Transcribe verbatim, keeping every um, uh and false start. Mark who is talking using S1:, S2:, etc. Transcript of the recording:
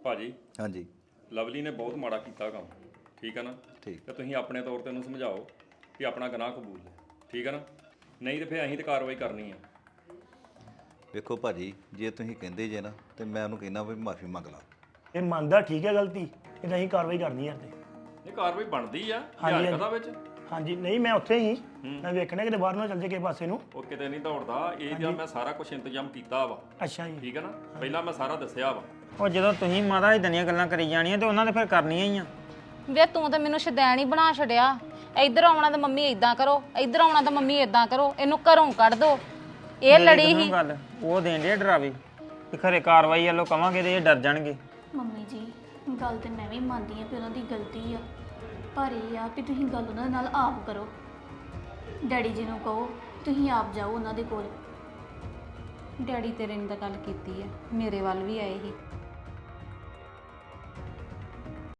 S1: ਭਾਜੀ
S2: ਹਾਂਜੀ
S1: ਲਵਲੀ ਨੇ ਬਹੁਤ ਮਾੜਾ ਕੀਤਾ ਕੰਮ, ਠੀਕ ਹੈ ਨਾ।
S2: ਠੀਕ
S1: ਤੇ ਤੁਸੀਂ ਆਪਣੇ ਤੌਰ ਤੇ ਉਹਨੂੰ ਸਮਝਾਓ ਕਿ ਆਪਣਾ ਗੁਨਾਹ ਕਬੂਲ ਲੈ, ਠੀਕ ਹੈ ਨਾ। ਨਹੀਂ ਤੇ ਫਿਰ ਅਸੀਂ ਤੇ ਕਾਰਵਾਈ ਕਰਨੀ ਆ।
S2: ਵੇਖੋ ਭਾਜੀ, ਜੇ ਤੁਸੀਂ ਕਹਿੰਦੇ ਜੇ ਨਾ ਤੇ ਮੈਂ ਉਹਨੂੰ ਕਹਿਣਾ ਵੀ ਮਾਫੀ ਮੰਗ ਲਾ।
S3: ਇਹ ਮੰਨਦਾ ਠੀਕ ਹੈ ਗਲਤੀ, ਇਹ ਅਸੀਂ ਕਾਰਵਾਈ ਕਰਨੀ ਹੈ ਤੇ
S1: ਇਹ ਕਾਰਵਾਈ ਬਣਦੀ ਆ
S3: ਹਾਂਜੀ,
S1: ਯਾਰ ਕਦਾ ਵਿੱਚ।
S3: ਹਾਂਜੀ ਨਹੀਂ ਮੈਂ ਉੱਥੇ ਹੀ ਮੈਂ ਵੇਖਣਾ ਕਿਤੇ ਬਾਹਰ ਨਾ ਚੱਲ ਜੇ ਕਿਸੇ ਪਾਸੇ ਨੂੰ।
S1: ਉਹ ਕਿਤੇ ਨਹੀਂ ਦੌੜਦਾ, ਇਹ ਜਾਂ ਮੈਂ ਸਾਰਾ ਕੁਝ ਇੰਤਜ਼ਾਮ ਕੀਤਾ ਵਾ,
S3: ਅੱਛਾ ਜੀ।
S1: ਠੀਕ ਹੈ ਨਾ। ਪਹਿਲਾਂ ਮੈਂ ਸਾਰਾ ਦੱਸਿਆ ਵਾ।
S4: ਉਹ ਜਦੋਂ ਤੁਸੀਂ ਮਾਤਾ ਇਦਾਂ ਦੀਆਂ ਗੱਲਾਂ ਕਰੀ ਜਾਣੀਆਂ ਤੇ ਉਹਨਾਂ ਨੇ ਫਿਰ ਕਰਨੀਆਂ ਹੀ ਆ।
S5: ਵੇ ਤੂੰ ਤਾਂ ਮੈਨੂੰ ਸ਼ਦੈਣ ਹੀ ਬਣਾ ਛੜਿਆ। ਇੱਧਰ ਆਉਣਾ ਤਾਂ ਮੰਮੀ ਇਦਾਂ ਕਰੋ, ਇੱਧਰ ਆਉਣਾ ਤਾਂ ਮੰਮੀ ਇਦਾਂ ਕਰੋ, ਇਹਨੂੰ ਘਰੋਂ ਕੱਢ ਦੋ। ਇਹ ਲੜੀ ਹੀ
S4: ਗੱਲ ਉਹ ਦੇਣ ਦੇ ਡਰਾਵੇ ਕਿ ਖਰੇ ਕਾਰਵਾਈ ਵੱਲੋਂ ਕਵਾਂਗੇ ਤੇ ਇਹ ਡਰ ਜਾਣਗੇ।
S6: ਮੰਮੀ ਜੀ ਗੱਲ ਤੇ ਮੈਂ ਵੀ ਮੰਨਦੀ ਆ ਕਿ ਉਹਨਾਂ ਦੀ ਗਲਤੀ ਆ, ਪਰ ਇਹ ਆ ਕਿ ਤੁਸੀਂ ਗੱਲ ਉਹਨਾਂ ਨਾਲ ਆਪ ਕਰੋ। ਡੈਡੀ ਜੀ ਨੂੰ ਕਹੋ ਤੁਸੀਂ ਆਪ ਜਾਓ ਉਹਨਾਂ ਦੇ ਕੋਲ।
S5: ਡੈਡੀ ਤੇਰੇ ਨੇ ਤਾਂ ਗੱਲ ਕੀਤੀ ਹੈ, ਮੇਰੇ ਵੱਲ ਵੀ ਆਏ ਸੀ।